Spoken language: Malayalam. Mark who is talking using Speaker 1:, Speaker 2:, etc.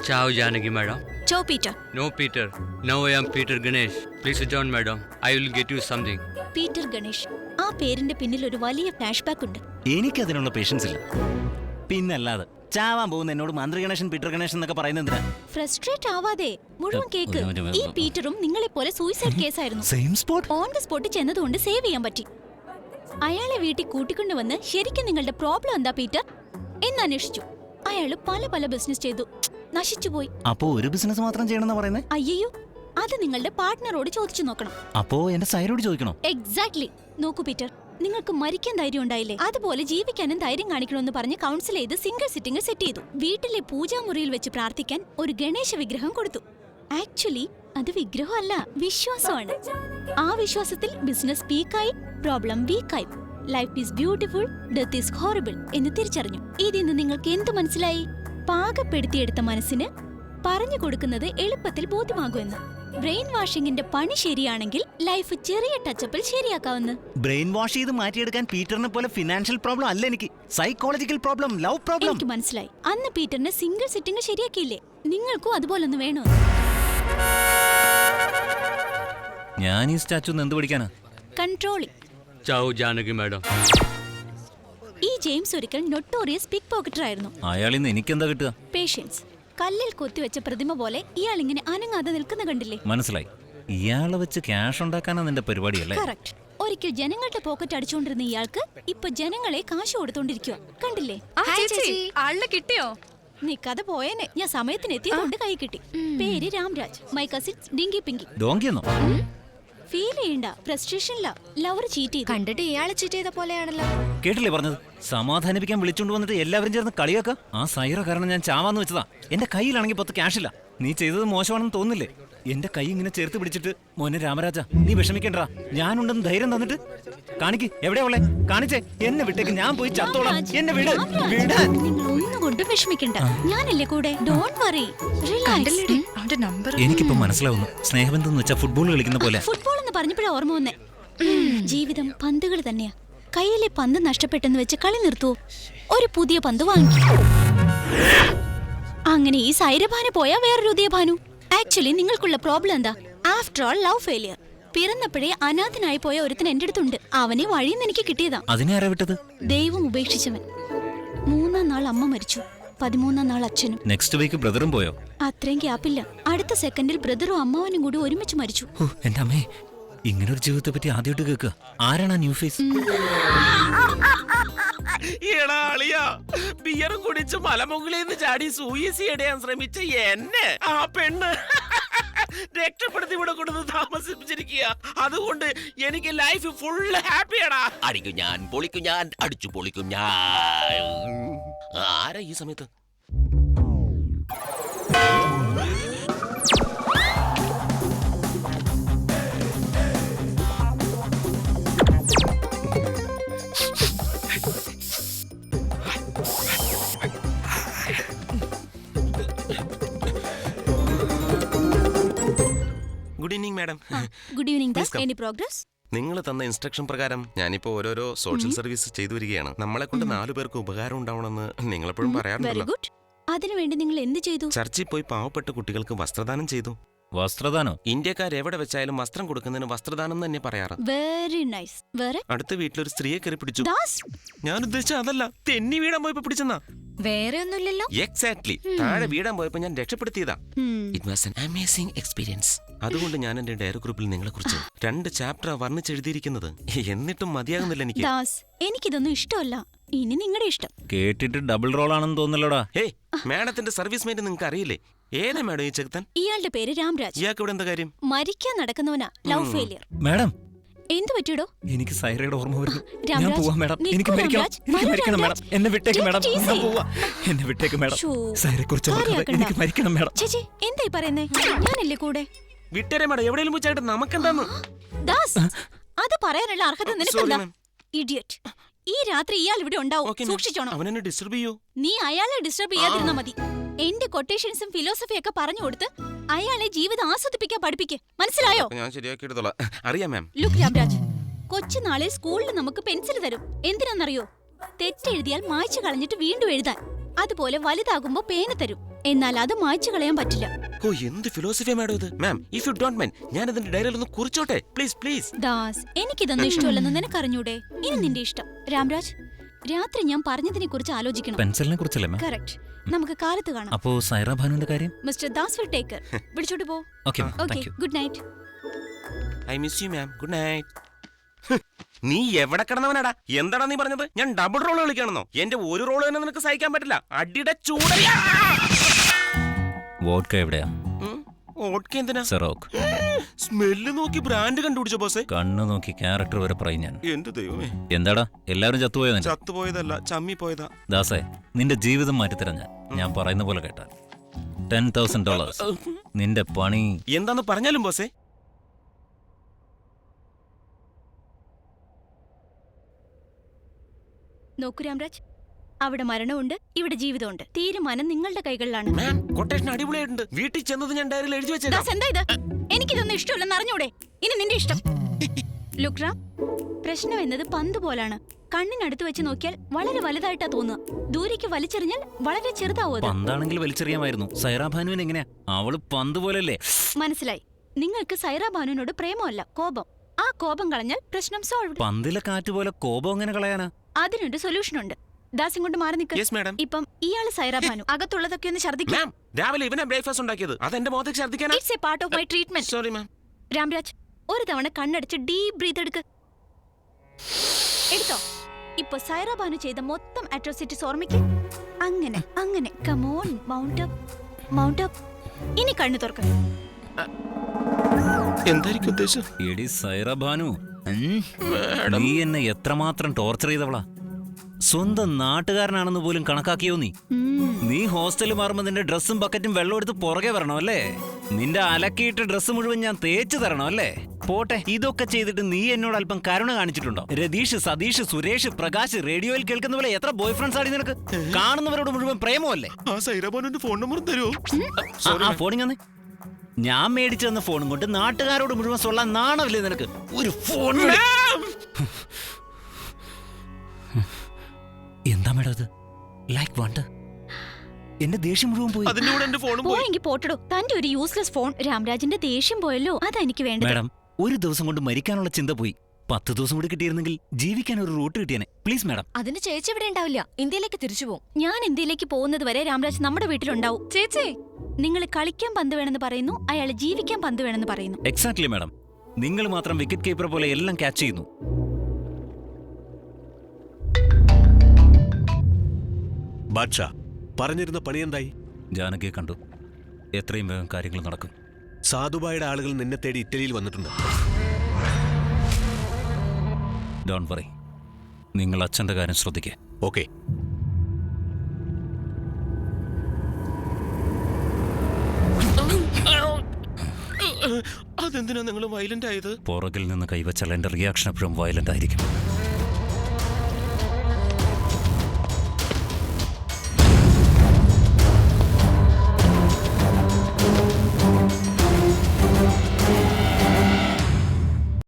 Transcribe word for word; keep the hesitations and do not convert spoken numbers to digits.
Speaker 1: Ciao, Janaki, madam.
Speaker 2: Ciao, Peter.
Speaker 1: No, Peter. Now I am Peter Ganesh. Please sit down, madam. I will get you something.
Speaker 2: Peter Ganesh. ആ പേരിന്റെ പിന്നിൽ ഒരു വലിയ ഫ്ലാഷ് ബാക്ക് ഉണ്ട്.
Speaker 3: എനിക്കതിനുള്ള പേഷ്യൻസ് ഇല്ല. പിന്നല്ലാതെ ചാവാൻ പോകുന്ന എന്നോട് മന്ത്രി ഗണേശൻ പീറ്റർ ഗണേശൻ എന്നൊക്കെ പറയുന്നത് എന്തിനാ?
Speaker 2: ഫ്രസ്ട്രേറ്റ് ആവാതെ മുഴുവൻ കേക്ക്. ഈ പീറ്ററും നിങ്ങളെ പോലെ സൂയിസൈഡ് കേസായിരുന്നു.
Speaker 3: Same spot.
Speaker 2: On the spot ചെന്നതുകൊണ്ട് സേവ് ചെയ്യാൻ പറ്റി. അയാളെ വീട്ടിൽ കൂട്ടിക്കൊണ്ടുവന്ന് ശരിക്കും നിങ്ങളുടെ പ്രോബ്ലം എന്താ പീറ്റർ എന്നന്വേഷിച്ചു. അയാള് പല പല ബിസിനസ് ചെയ്തു, നശിച്ചുപോയി.
Speaker 3: അപ്പോ ഒരു ബിസിനസ് മാത്രം ചെയ്യണമെന്ന് പറയുന്നത്?
Speaker 2: അയ്യോ, അത് നിങ്ങളുടെ പാർട്ട്ണറോട് ചോദിച്ചു നോക്കണം.
Speaker 3: അപ്പോ എന്റെ സൈറോട് ചോദിക്കണോ?
Speaker 2: എക്സാക്ട്ലി. നോക്കൂ പീറ്റർ, നിങ്ങൾക്ക് മരിക്കാൻ ധൈര്യം ഉണ്ടായില്ലേ, അതുപോലെ ജീവിക്കാനും ധൈര്യം കാണിക്കണമെന്ന് പറഞ്ഞ് കൗൺസിൽ ചെയ്ത് സിംഗിൾ സിറ്റിംഗ് സെറ്റ് ചെയ്തു. വീട്ടിലെ പൂജാമുറിയിൽ വെച്ച് പ്രാർത്ഥിക്കാൻ ഒരു ഗണേശ വിഗ്രഹം കൊടുത്തു. ആക്ച്വലി അത് വിഗ്രഹമല്ല, വിശ്വാസമാണ്. ആ വിശ്വാസത്തിൽ ബിസിനസ് പീക്കായി, പ്രോബ്ലം വീക്കായി. Life is beautiful, death is horrible എന്ന് തിരിച്ചറിഞ്ഞു. ഇതിന്ന് നിങ്ങൾക്ക് എന്ത് മനസ്സിലായി? പാകപ്പെടുത്തിയെടുത്ത മനസ്സിന് പറഞ്ഞു കൊടുക്കുന്നത് എളുപ്പത്തിൽ ബോധ്യമാകുമെന്ന്. ബ്രെയിൻ വാഷിംഗിന്റെ പണി ശരിയാണെങ്കിൽ ലൈഫ് ചെറിയ ടച്ചപ്പിൽ ശരിയാക്കാവുന്ന.
Speaker 3: ബ്രെയിൻ വാഷ് ചെയ്ത് മാറ്റിയെടുക്കാൻ പീറ്ററിനെ പോലെ ഫിനാൻഷ്യൽ പ്രോബ്ലം അല്ല എനിക്ക്, സൈക്കോളജിക്കൽ പ്രോബ്ലം, ലവ് പ്രോബ്ലം.
Speaker 2: എനിക്ക് മനസ്സിലായി. അന്ന് പീറ്ററിനെ സിംഗിൾ സിറ്റിംഗ് ശരിയാക്കിയില്ലേ, നിങ്ങൾക്കും അതുപോലൊന്ന് വേണോ?
Speaker 3: ഞാൻ ഈ സ്റ്റാച്ചു എന്ത് പഠിക്കാനാ?
Speaker 2: കൺട്രോളിംഗ്.
Speaker 1: Ciao, Janaki, madam.
Speaker 2: ഈ ജെയിംസ് ഒരിക്കൽ നൊട്ടോറിയസ് പിക് പോക്കറ്റർ ആയിരുന്നു.
Speaker 3: അയാളിൽ നിന്ന് എനിക്കെന്താ കിട്ടുക?
Speaker 2: പേഷ്യൻസ്. കല്ലിൽ കൊത്തിവെച്ച പ്രതിമ പോലെ ഇയാൾ ഇങ്ങനെ അനങ്ങാതെ നിൽക്കുന്ന കണ്ടില്ലേ?
Speaker 3: മനസ്സിലായി. ഇയാളെ വെച്ച് ക്യാഷ് ഉണ്ടാക്കാനാ നിന്റെ പരിപാടിയല്ലേ?
Speaker 2: കറക്റ്റ്. ഒരിക്കൽ ജനങ്ങളുടെ പോക്കറ്റ് അടിച്ചുകൊണ്ടിരുന്ന ഇയാൾക്ക് ഇപ്പൊ ജനങ്ങളെ കാശ് കൊടുത്തോണ്ടിരിക്കുക, കണ്ടില്ലേ?
Speaker 4: ആളിനെ കിട്ടിയോ?
Speaker 2: നീ കഥ പോയേനെ. ഞാൻ സമയത്തിന് എത്തിയതുകൊണ്ട് കൈ കിട്ടി. പേര് Ramraj. My cousin Dinky Pinky.
Speaker 3: ഡോങ്കിയെന്നോ?
Speaker 2: ഫീൽ ചെയ്യണ്ട, ഫ്രസ്ട്രേഷനില്ല. ലവർ ചീറ്റ് ചെയ്തു.
Speaker 4: കണ്ടിട്ട് ഇയാളെ ചീറ്റ് ചെയ്ത പോലെയാണല്ലോ.
Speaker 3: കേട്ടില്ലേ പറഞ്ഞത്? സമാധാനിപ്പിക്കാൻ വിളിച്ചോണ്ട് വന്നിട്ട് എല്ലാവരും ചേർന്ന് കളിയാക്ക. ആ സൈറ കാരണം ഞാൻ ചാവാന്ന് വെച്ചതാ. എന്റെ കയ്യിലാണെങ്കിൽ പത്ത് ക്യാഷ് ഇല്ല. നീ ചെയ്തത് മോശമാണെന്ന് തോന്നുന്നില്ലേ? എന്റെ കൈ ഇങ്ങനെ ചേർത്ത് പിടിച്ചിട്ട് മോനെ രാമരാജ നീ വിഷമിക്കണ്ടാ, ഞാനുണ്ടെന്ന് ധൈര്യം തന്നിട്ട് കാണിക്ക്. എവിടെയാ ഉള്ളേ? കാണിച്ചേ. എന്നെ വിട്ടേക്ക്, ഞാൻ പോയി ചത്തോളാം. എന്നെ വിട്. വിടാൻ
Speaker 2: നിങ്ങൾ ഒന്നുകൊണ്ടും വിഷമിക്കണ്ട, ഞാനല്ലേ കൂടെ. Don't worry, relax.
Speaker 4: അവന്റെ നമ്പർ
Speaker 3: എനിക്കിപ്പോ മനസ്സിലാവുന്നു. സ്നേഹബന്ധം എന്ന് വെച്ചാൽ ഫുട്ബോൾ കളിക്കുന്ന പോലെ.
Speaker 2: ഫുട്ബോൾ എന്ന് പറഞ്ഞപ്പോഴാ ഓർമ്മ വന്നേ. ജീവിതം പന്തുകൾ തന്നെയാ. കയ്യിലെ പന്ത് നഷ്ടപ്പെട്ടെന്ന് വെച്ച് കളി നിർത്തുവോ? ഒരു പുതിയ പന്ത് വാങ്ങിക്കും. അങ്ങനെ ഈ സൈരഭാനു പോയാ വേറൊരു ഉദയഭാനു. ആക്ച്വലി നിങ്ങൾക്കുള്ള പ്രോബ്ലം എന്താ? After all love failure. പിറന്നപ്പോഴേ അനാഥനായി പോയ ഒരുത്തൻ എന്റെ അടുത്തുണ്ട്. അവനെ വഴിയിൽ നിന്ന് എനിക്ക് കിട്ടിയതാ.
Speaker 3: അതിനെ ആരാ വിട്ടത്?
Speaker 2: ദൈവം ഉപേക്ഷിച്ചവൻ. മൂന്നാം നാൾ അമ്മ മരിച്ചു, പതിമൂന്നാം നാൾ അച്ഛനും.
Speaker 3: നെക്സ്റ്റ് വീക്ക് ബ്രദറും പോയോ?
Speaker 2: അത്രയും ഗ്യാപ്പില്ല. അടുത്ത സെക്കൻഡിൽ ബ്രദറും അമ്മാവനും കൂടി ഒരുമിച്ച് മരിച്ചു.
Speaker 3: എന്റെ അമ്മേ, ഇങ്ങനെ ഒരു ജീവിതത്തെ പറ്റി ആദ്യമായിട്ട് കേൾക്കുക. ആരാണ് ആ ന്യൂ ഫേസ്?
Speaker 5: ബിയറും കുടിച്ച് മലമുകളിൽ ചാടി സൂയിസൈഡ് ചെയ്യാൻ ശ്രമിച്ച എന്നെ ആ പെണ്ണ് രക്ഷപ്പെടുത്തി ഇവിടെ കൊണ്ടു താമസിപ്പിച്ചിരിക്കുക. അതുകൊണ്ട് എനിക്ക് ലൈഫ് ഫുള്ള് ഹാപ്പിയാടാ. അടിക്കും ഞാൻ, പൊളിക്കും ഞാൻ, അടിച്ചു പൊളിക്കും ഞാൻ. ആരാ ഈ സമയത്ത്? Good evening madam.
Speaker 2: Good evening. Any progress?
Speaker 5: നിങ്ങൾ തന്ന ഇൻസ്ട്രക്ഷൻ പ്രകാരം ഞാനിപ്പോ ഓരോരോ സോഷ്യൽ സർവീസ് ചെയ്തു വരികയാണ്. നമ്മളെ കൊണ്ട് നാലു പേർക്ക് ഉപകാരം ഉണ്ടാവണമെന്ന് നിങ്ങളെപ്പോഴും പറയാറുണ്ടല്ലോ.
Speaker 2: Very good. അതിനുവേണ്ടി നിങ്ങൾ എന്ത് ചെയ്തു?
Speaker 5: ചർച്ചിൽ പോയി പാവപ്പെട്ട കുട്ടികൾക്ക് വസ്ത്രദാനം ചെയ്തു.
Speaker 3: വസ്ത്രദാനോ?
Speaker 5: ഇന്ത്യക്കാർ എവിടെ വെച്ചാലും വസ്ത്രം കൊടുക്കുന്നതിന് വസ്ത്രദാനം തന്നെ പറയാറ്.
Speaker 2: Very nice. വേറെ?
Speaker 5: അടുത്ത വീട്ടിലൊരു സ്ത്രീയെ കയറി പിടിച്ചു.
Speaker 2: ദാസ്,
Speaker 5: ഞാൻ ഉദ്ദേശിച്ച അതല്ല, തെന്നി വീടാൻ പോയപ്പോ പിടിച്ചെന്നാ.
Speaker 4: വേറെ ഒന്നുമില്ലല്ലോ.
Speaker 5: എക്സാക്ട്ലി. താഴെ വീടാൻ പോയപ്പോ ഞാൻ രക്ഷപ്പെടുത്തിയതാ. It was an amazing experience. അതുകൊണ്ട് ഞാൻ എന്റെ ഡയറി ഗ്രൂപ്പിൽ നിങ്ങളെ കുറിച്ച് രണ്ട് ചാപ്റ്റർ വർണ്ണിച്ചെഴുതിയിരിക്കുന്നത്. എന്നിട്ടും മതിയാകുന്നില്ല എനിക്ക്.
Speaker 2: ദാസ്, എനിക്കിതൊന്നും ഇഷ്ടമല്ല. ഇനി നിങ്ങളുടെ ഇഷ്ടം.
Speaker 3: കേട്ടിട്ട് ഡബിൾ റോൾ ആണെന്ന് തോന്നലോടാ.
Speaker 5: ഹേയ്, മാഡത്തിന്റെ സർവീസ് മേറ്റ് നിങ്ങൾക്ക് അറിയില്ലേ? ഏതാ മാഡം ഈ ചെറുക്കൻ?
Speaker 2: ഇയാളുടെ പേര് രാംരാജ്.
Speaker 5: ഇയാൾക്ക് ഇവിടെ എന്താ കാര്യം?
Speaker 2: മരിക്കാൻ നടക്കുന്നവനാ. Love failure.
Speaker 3: മാഡം,
Speaker 2: എന്ത് പറ്റിയോ?
Speaker 3: എനിക്ക് സൈറയുടെ ഓർമ്മ വരുന്നു.
Speaker 2: രാംരാജ്,
Speaker 3: ഞാൻ പോവാ മാഡം.
Speaker 2: നിൽക്കൂ
Speaker 3: എനിക്ക് മരിക്കണം.
Speaker 2: രാംരാജ്.
Speaker 3: എനിക്ക് മരിക്കണം മാഡം. എന്നെ വിട്ടേക്ക് മാഡം.
Speaker 2: Take it easy.
Speaker 3: ഞാൻ പോവാ. എന്നെ വിട്ടേക്ക് മാഡം.
Speaker 2: ശോ,
Speaker 3: സൈറയെ കുറിച്ച്
Speaker 2: കാര്യാക്കണ്ട.
Speaker 3: എനിക്ക് മരിക്കണം മാഡം.
Speaker 2: ചേച്ചി, എന്തായി പറയുന്നേ? ഞാനല്ലേ കൂടെ.
Speaker 5: വിട്ടേരെ മാഡം, എവിടെയെങ്കിലും വെച്ചായിട്ട് നമുക്കെന്താന്ന്?
Speaker 2: ദാസ്, അത് പറയാനുള്ള അർഹത നിനക്കെന്താ?
Speaker 5: ma'am.
Speaker 2: ഇഡിയറ്റ്. ഈ രാത്രി ഇയാൾ ഇവിടെ ഉണ്ടാവും.
Speaker 5: Okay, ma'am.
Speaker 2: സൂക്ഷിച്ചോണം.
Speaker 5: അവനെന്നെ ഡിസ്റ്റർബ് ചെയ്യൂ.
Speaker 2: നീ അയാളെ ഡിസ്റ്റർബ് ചെയ്യാതിരുന്നാ മതി. എന്റെ കൊട്ടേഷൻസും ഫിലോസഫിയും ഒക്കെ പറഞ്ഞു കൊടുത്ത് അയാളെ ജീവിതം ആസ്വദിപ്പിക്കാൻ പഠിപ്പിക്ക്. മനസ്സിലായോ?
Speaker 5: ഞാൻ ശരിയാക്കി എടുത്തോളാം. അറിയാം മാം.
Speaker 2: ലുക്ക് രാംരാജ്, കൊച്ചുനാളിൽ സ്കൂളിൽ നമുക്ക് പെൻസിൽ തരും. എന്തിനാണെന്നറിയോ? തെറ്റെഴുതിയാൽ മായ്ച്ചു കളഞ്ഞിട്ട് വീണ്ടും എഴുതാൻ. അതുപോലെ വലുതാകുമ്പോ പേന തരും, എന്നാൽ അത് മായ്ച്ചു കളയാൻ പറ്റില്ല.
Speaker 5: ഓ എന്ത് ഫിലോസഫിയാ മാഡം ഇത്. Ma'am if you don't mind ഞാൻ ഇതിന്റെ ഡയറിയിൽ ഒന്ന് കുറിച്ചോട്ടെ പ്ലീസ് പ്ലീസ്.
Speaker 2: ദാസ്, എനിക്കിതൊന്നും ഇഷ്ടമല്ലെന്ന് നിനക്കറിഞ്ഞൂടെ? ഇനി നിന്റെ ഇഷ്ടം. രാംരാജ്, രാത്രി ഞാൻ പറഞ്ഞതിനെ കുറിച്ച് ആലോചിക്കണം.
Speaker 3: പെൻസിലിനെ കുറിച്ചല്ലേ മാം?
Speaker 2: കറക്റ്റ്. നമുക്ക് കാലത്ത് കാണാം.
Speaker 3: അപ്പോ സൈറ ഭാനുവിന്റെ കാര്യം?
Speaker 2: Mister Das will take care. വിളിച്ചോട്ട് പോ.
Speaker 3: Okay
Speaker 2: okay,
Speaker 3: thank you.
Speaker 2: Good night.
Speaker 5: I miss you ma'am. Good night. നീ എവിടെ കിടന്നവനാടാ? എന്താടാ നീ പറഞ്ഞത്? ഞാൻ ഡബിൾ റോൾ കളിക്കണമെന്നോ? എന്റെ ഒരു റോൾ തന്നെ നിനക്ക് സഹിക്കാൻ പറ്റില്ല. അടിയുടെ ചൂടയാ.
Speaker 3: വോഡ്ക എവിടെയാ?
Speaker 5: ഓട്ക എന്തിനാ?
Speaker 3: സെറോക്ക്.
Speaker 5: സ്മെല്ല് നോക്കി ബ്രാൻഡ് കണ്ടുപിടിച്ച ബോസേ.
Speaker 3: കണ്ണു നോക്കി ക്യാരക്ടർ വരെ പറയും ഞാൻ.
Speaker 5: എന്റെ ദൈവമേ.
Speaker 3: എന്താടാ എല്ലാവരും ചത്തുപോയതാ?
Speaker 5: ചത്തുപോയതല്ല, ചമ്മി പോയതാ.
Speaker 3: ദാസേ, നിന്റെ ജീവിതം മാറ്റിത്തരാം ഞാൻ. ഞാൻ പറയുന്ന പോലെ കേട്ടാൽ ടെൻ തൗസൻഡ് ഡോളേഴ്സ് നിന്റെ പണി.
Speaker 5: എന്താന്ന് പറഞ്ഞാലും ബോസേ.
Speaker 2: നോക്കൂ രാംരാജ്, അവിടെ മരണമുണ്ട്, ഇവിടെ ജീവിതമുണ്ട്. തീരുമാനം നിങ്ങളുടെ കൈകളിലാണ്.
Speaker 5: മാം കൊട്ടേഷൻ അടിപൊളിയായിട്ടുണ്ട്. വീട്ടിൽ ചെന്നത് ഞാൻ ഡയറിയിൽ എഴുതി വെച്ചേക്കാം.
Speaker 2: ദാസ്, എന്താ ഇത്? എനിക്കിതൊന്നും ഇഷ്ടമല്ലെന്ന് അറിഞ്ഞൂടെ? ഇനി നിന്റെ ഇഷ്ടം. ലുക്ക് റാം, പ്രശ്നം എന്നത് പന്ത് പോലാണ്. കണ്ണിനടുത്ത് വെച്ച് നോക്കിയാൽ വളരെ വലുതായിട്ടാ തോന്നുക, ദൂരേക്ക് വലിച്ചെറിഞ്ഞാൽ വളരെ ചെറുതാവും അത്.
Speaker 3: പന്താണെങ്കിൽ വലിച്ചെറിയാമായിരുന്നു. സൈറ ഭാനുവിന് എങ്ങനെയാ? അവള് പന്ത് പോലല്ലേ?
Speaker 2: മനസ്സിലായി. നിങ്ങൾക്ക് സൈറ ബാനുവിനോട് പ്രേമമല്ല, കോപം. ആ കോപം കളഞ്ഞാൽ പ്രശ്നം സോൾവ്.
Speaker 3: പന്തിലെ കാറ്റ് പോലെ കോപം എങ്ങനെ കളയാനാ?
Speaker 2: അതിനൊരു സൊല്യൂഷൻ ഉണ്ട്. ദാസ് ഇങ്ങോട്ട് മാറി നിൽക്ക്.
Speaker 5: Yes madam.
Speaker 2: ഇപ്പം ഇയാള് സൈറ ബാനു. അകത്തുള്ളതൊക്കെ ഒന്ന് ഛർദ്ദിക്കാം.
Speaker 5: മാം രാവിലെ ഇവനെ ബ്രേക്ക്ഫാസ്റ്റ് ഉണ്ടാക്കിയത് അതെന്റെ മുഖത്തേക്ക് ഛർദ്ദിക്കാനാ.
Speaker 2: It's a part of my treatment.
Speaker 5: Sorry ma'am.
Speaker 2: Ramraj, ഒരു തവണ കണ്ണടച്ച് ഡീപ് ബ്രീത്ത് എടുക്ക്. എടുത്തോ. ഇപ്പൊ സൈറ ബാനു ചെയ്ത മൊത്തം അട്രോസിറ്റീസ് ഓർമ്മിക്ക്. അങ്ങനെ അങ്ങനെ. Come on, mount up, mount up. ഇനി കണ്ണു തുറക്ക.
Speaker 5: എന്തായിരിക്കും ഉദ്ദേശം?
Speaker 3: എടി സൈറ ഭാനു, ഉം? നീ എന്നെ എത്രമാത്രം ടോർച്ചർ ചെയ്തവളാ. സ്വന്തം നാട്ടുകാരനാണെന്ന് പോലും കണക്കാക്കിയോ നീ? നീ ഹോസ്റ്റലിൽ മാറുമ്പോ നിന്റെ ഡ്രസ്സും ബക്കറ്റും വെള്ളം എടുത്ത് പുറകെ വരണം അല്ലേ? നിന്റെ അലക്കിയിട്ട് ഡ്രസ്സ് മുഴുവൻ ഞാൻ തേച്ചു തരണം അല്ലേ? പോട്ടെ, ഇതൊക്കെ ചെയ്തിട്ട് നീ എന്നോട് അല്പം കരുണ കാണിച്ചിട്ടുണ്ടോ? രതീഷ്, സതീഷ്, സുരേഷ്, പ്രകാശ്, റേഡിയോയിൽ കേൾക്കുന്ന പോലെ എത്ര ബോയ് ഫ്രണ്ട്സ് ആടി നിനക്ക്? കാണുന്നവരോട് മുഴുവൻ പ്രേമമല്ലേ?
Speaker 5: ആ സൈറബോന്റെ ഫോൺ നമ്പർ തരുമോ?
Speaker 3: ആ ഫോണിങ് ഞാൻ മേടിച്ചു തന്ന ഫോണും കൊണ്ട് നാട്ടുകാരോട് മുഴുവൻ സൊല്ലാൻ നാണമില്ലേ നിനക്ക്? ഒരു ഫോൺ. എന്താ മേഡം ഇത്? ലൈക്ക് വണ്ട് എന്റെ ദേഷ്യം മുഴുവൻ പോയി.
Speaker 5: അതിന്റെ കൂടെ എന്റെ ഫോണും പോയി.
Speaker 2: പോയെങ്കിൽ പോട്ടടോ. തന്റെ ഒരു യൂസ്ലെസ് ഫോൺ. രാംരാജിന്റെ ദേഷ്യം പോയല്ലോ, അതാ എനിക്ക് വേണ്ടത്.
Speaker 3: മേഡം, ഒരു ദിവസം കൊണ്ട് മരിക്കാനുള്ള ചിന്ത പോയി. പത്ത് ദിവസം കൂടി കിട്ടിയിരുന്നെങ്കിൽ ജീവിക്കാൻ ഒരു റൂട്ട് കിട്ടിയനെ. Please madam.
Speaker 4: അതിന് ചേച്ചി ഇവിടെ ഉണ്ടാവില്ല, ഇന്ത്യയിലേക്ക് തിരിച്ചു പോകും.
Speaker 2: ഞാൻ ഇന്ത്യയിലേക്ക് പോകുന്നത് വരെ രാംരാജ് നമ്മുടെ വീട്ടിലുണ്ടാവും.
Speaker 4: ചേച്ചി,
Speaker 2: നിങ്ങൾ കളിക്കാൻ പന്ത് വേണമെന്ന് പറയുന്നു, അയാൾ ജീവിക്കാൻ പന്ത് വേണമെന്ന് പറയുന്നു.
Speaker 3: Exactly madam. നിങ്ങൾ മാത്രം വിക്കറ്റ് കീപ്പർ പോലെ എല്ലാം ക്യാച്ച് ചെയ്യുന്നു.
Speaker 6: ബാദ്ഷാ, പറഞ്ഞിരുന്ന പണി എന്തായി?
Speaker 3: ജാനകിയെ കണ്ടു. എത്രയും വേഗം കാര്യങ്ങൾ നടക്കും.
Speaker 6: സാധുബായുടെ ആളുകൾ നിന്നെ തേടി ഇറ്റലിയിൽ വന്നിട്ടുണ്ട്.
Speaker 3: Don't worry. നിങ്ങൾ അച്ഛന്റെ കാര്യം ശ്രദ്ധിക്കേ.
Speaker 6: ഓക്കെ.
Speaker 5: അതെന്തിനാ നിങ്ങൾ വയലന്റ് ആയത്?
Speaker 3: പുറകിൽ നിന്ന് കൈവച്ചാൽ എന്റെ റിയാക്ഷൻ എപ്പോഴും വയലന്റ് ആയിരിക്കും.